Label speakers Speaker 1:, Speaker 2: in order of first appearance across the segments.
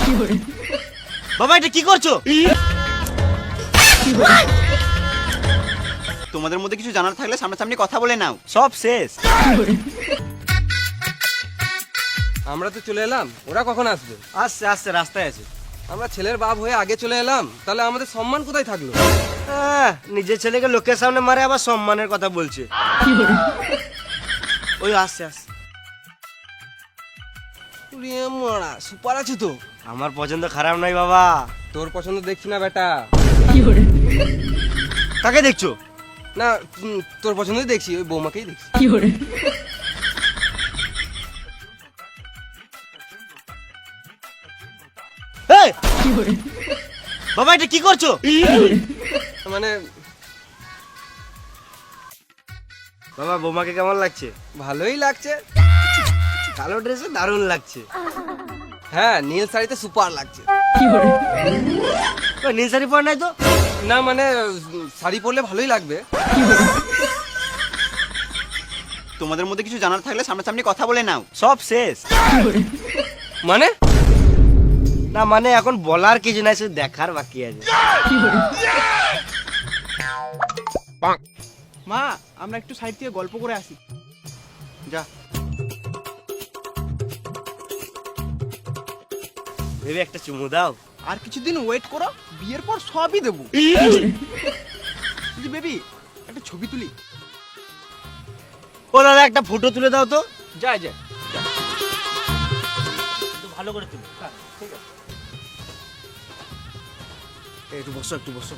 Speaker 1: বাবা এটা কি করছো? তোমাদের মধ্যে কিছু জানার থাকলে সামনাসামনি কথা বলে নাও, সব শেষ।
Speaker 2: আমরা তো চলে এলাম, ওরা কখন আসবে?
Speaker 1: আসছে আসছে, রাস্তায় আছে।
Speaker 2: আমরা ছেলের বাপ হয়ে আগে চলে এলাম, তাহলে আমাদের সম্মান কোথায় থাকলো?
Speaker 3: নিজের ছেলেকে লোকের সামনে মারে আবার সম্মানের কথা বলছে। ওই আসছে আসছে।
Speaker 2: মারা সুপার আছে তো।
Speaker 3: আমার পছন্দ খারাপ নয় বাবা।
Speaker 2: তোর পছন্দ দেখছি না বেটা।
Speaker 3: কাকে দেখছো?
Speaker 2: না তোর পছন্দই দেখছি, ওই বৌমাকেই দেখছি।
Speaker 3: এই! বাবা এটা কি করছো?
Speaker 2: মানে
Speaker 3: বাবা বৌমাকে কেমন লাগছে?
Speaker 2: ভালোই লাগছে।
Speaker 3: কালো ড্রেসে দারুণ লাগছে।
Speaker 2: হ্যাঁ নীল শাড়িতে সুপার লাগছে।
Speaker 3: ওই নীল শাড়ি পরে নাই তো?
Speaker 2: না মানে শাড়ি পরলে ভালোই লাগবে।
Speaker 1: তোমাদের মধ্যে কিছু জানার থাকলে সামনাসামনি কথা বলে নাও, সব শেষ।
Speaker 2: মানে
Speaker 3: না মানে এখন বলার কিছু নাই, শুধু দেখার বাকি আছে।
Speaker 4: মা আমরা একটু সাইড থেকে গল্প করে আসি।
Speaker 1: যা।
Speaker 3: ভেবে একটা চুমু দাও।
Speaker 4: আর কিছুদিন ওয়েট করো, বিয়ের পর সবই দেবো। বেবি একটা ছবি তুলি।
Speaker 3: ও দাদা একটা ফটো তুলে দাও তো।
Speaker 4: যা যা।
Speaker 3: ভালো করে তুলো। ঠিক আছে একটু বসো একটু বসো।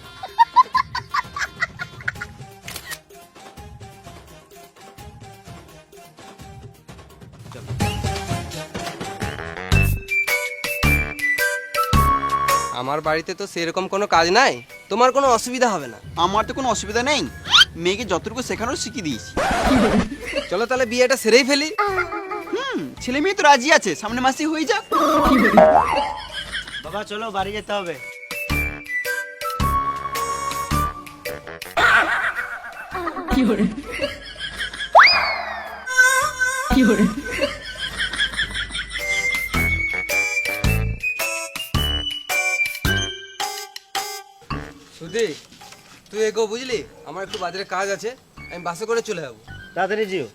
Speaker 2: আমার বাড়িতে তো সেরকম কোনো কাজ নাই, তোমার কোনো অসুবিধা হবে না।
Speaker 1: আমার তো কোনো অসুবিধা নেই, মেয়েকে যতটুকু শেখানোর শিখিয়ে দিয়েছি।
Speaker 2: চলো তাহলে বিয়েটা সেরেই ফেলি।
Speaker 1: ছেলে মেয়ে তো রাজি আছে, সামনে মাসে হয়ে যাক।
Speaker 3: বাবা চলো বাড়ি যেতে হবে।
Speaker 2: সুধী তুই এগো, বুঝলি আমার একটু বাজারে কাজ আছে, আমি বাসে করে চলে যাবো।
Speaker 3: তাড়াতাড়ি যেও।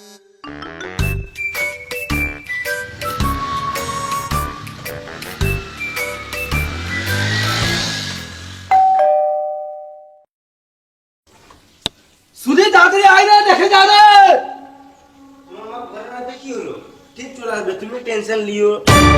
Speaker 2: সুধী তাড়াতাড়ি আয় না, দেখে যা রে।
Speaker 3: আমার ঘরে রাতে কি হলো? ঠিক চলে আসবে, তুমি টেনশন লিও।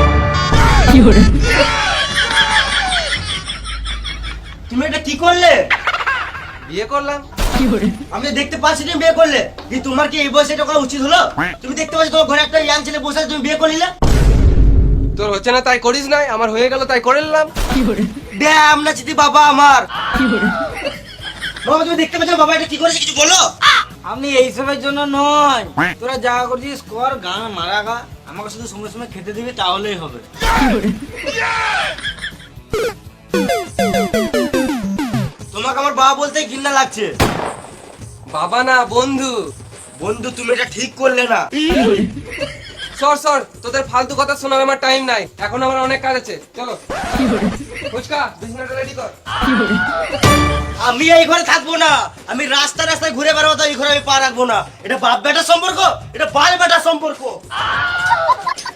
Speaker 3: তুমি এটা কি করলে?
Speaker 2: বিয়ে করলাম।
Speaker 3: আমি তো দেখতে পাচ্ছি তুমি বিয়ে করলে। কিন্তু তোমার কি এই বয়সে এটা করা উচিত হলো? তুমি দেখতে পাচ্ছ তোমার ঘরে একটা ইয়াং ছেলে বসে আছে, তুমি বিয়ে করলে।
Speaker 2: তোর হচ্ছে না তাই করিস নাই, আমার হয়ে গেল তাই করে নিলাম।
Speaker 3: ড্যাম না চিতি বাবা আমার। বাবা তুমি দেখতে পাচ্ছ বাবা এটা কি করেছে, কিছু বলো। আমি এইসবের জন্য নয়, তোরা যা করছিস কর, গান মারা গা, আমাকে শুধু সময় সময় খেতে দিবি তাহলেই হবে। তোমাকে আমার বাবা বলতে ঘৃণা লাগছে।
Speaker 2: বাবা না বন্ধু।
Speaker 3: বন্ধু তুমি এটা ঠিক করলে না।
Speaker 2: সর সর, তোদের ফালতু কথা শোনার আমার টাইম নাই, এখন আমার অনেক কাজ আছে। চলো ফুচকা বিছানাটা রেডি কর।
Speaker 3: আমি এই ঘরে থাকবো না, আমি রাস্তা রাস্তায় ঘুরে বেড়াবো, তো এই ঘরে আমি পা রাখবো না। এটা বাপ বেটার সম্পর্ক, এটা বাল বেটার সম্পর্ক।